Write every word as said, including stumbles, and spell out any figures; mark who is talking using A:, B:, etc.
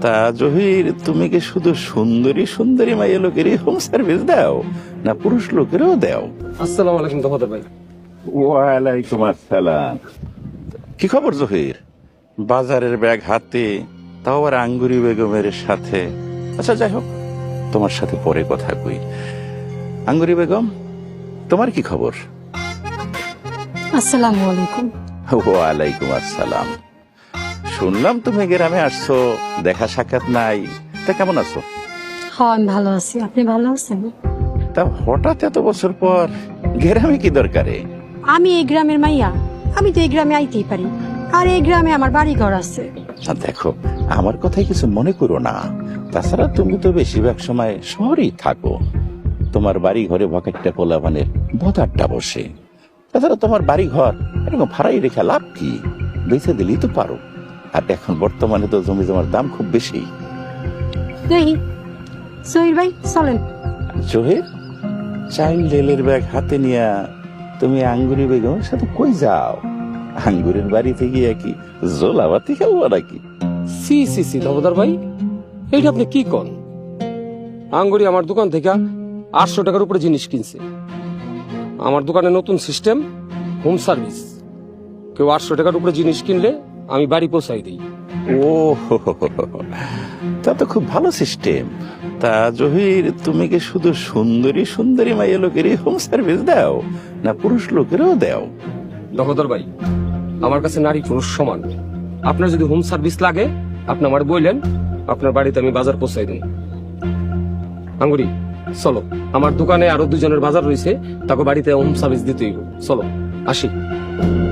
A: তা জহির, তুমি কি শুধু সুন্দরী সুন্দরী মাইয়া লোকেরই হোম সার্ভিস দাও, না পুরুষ লোকেরও দাও?
B: আসসালামু আলাইকুম দফাদার ভাই।
A: ওয়ালাইকুম আসসালাম। কি খবর জহির? বাজারের ব্যাগ হাতে, তাও আবার আঙ্গুরি বেগমের সাথে। আচ্ছা যাই হোক, তোমার সাথে পরে কথা কই। আঙ্গুরি বেগম, তোমার কি খবর?
C: আসসালামু আলাইকুম।
A: ওয়ালাইকুম আসসালাম। শুনলাম তুমি গ্রামে আসছো, দেখা সাক্ষাৎ নাই, তা কেমন আছো?
C: হ্যাঁ আমি ভালো আছি, আপনি ভালো আছেন?
A: তা হঠাৎ এত বছর পর গ্রামে কি দরকারে?
C: আমি এই গ্রামের মাইয়া, আমি তো এই গ্রামে আইতেই পারি, আর এই গ্রামে আমার বাড়ি ঘর আছে।
A: আর দেখো, আমার কথাই কিছু মনে করো না। তাছাড়া তুমি তো বেশিরভাগ সময় শহরেই থাকো, তোমার বাড়ি ঘরে ভকেটটা পোলাপানের বদারটা বসে। তাছাড়া তোমার বাড়ি ঘর এরকম ভাড়াই রেখে লাভ কি? বেঁচে দিলেই তো পারো। আর এখন বর্তমানে তো জমি জমার দাম খুব বেশি।
C: দেখি সহির ভাই চলেন।
A: জহির, চাইল্ড রেলের ব্যাগ হাতে নিয়ে তুমি আঙ্গুরি বেগমের সাথে কই যাও? আঙ্গুরের বাড়িতে গিয়ে কি জোলাবাতি খেলবো নাকি?
B: সি সি সি দফাদার ভাই, এইটা আপনি কি কন? আঙ্গুরি আমার দোকান থেকে আটশো টাকার উপরে জিনিস কিনছে। আমার দোকানে নতুন সিস্টেম, হোম সার্ভিস। কেউ আটশো টাকার উপরে জিনিস কিনলে আমি বাড়ি পৌঁছাই দিই।
A: ও হো হো হো হো। তা তো খুব ভালো সিস্টেম। তা জহির, তুমি কি শুধু সুন্দরী সুন্দরী মাইয়া লোকেরই হোম সার্ভিস দাও, না পুরুষ লোকেরও দাও?
B: দফাদার ভাই, আমার কাছে নারী পুরুষ সমান। আপনার যদি হোম সার্ভিস লাগে আপনি আমার বললেন, আপনার বাড়িতে আমি বাজার পৌঁছাই দিই। আঙ্গুরি চলো, আমার দোকানে আরো দুজনের বাজার রয়েছে, তাকে বাড়িতে হোম সার্ভিস দিতেই চলো, আসি।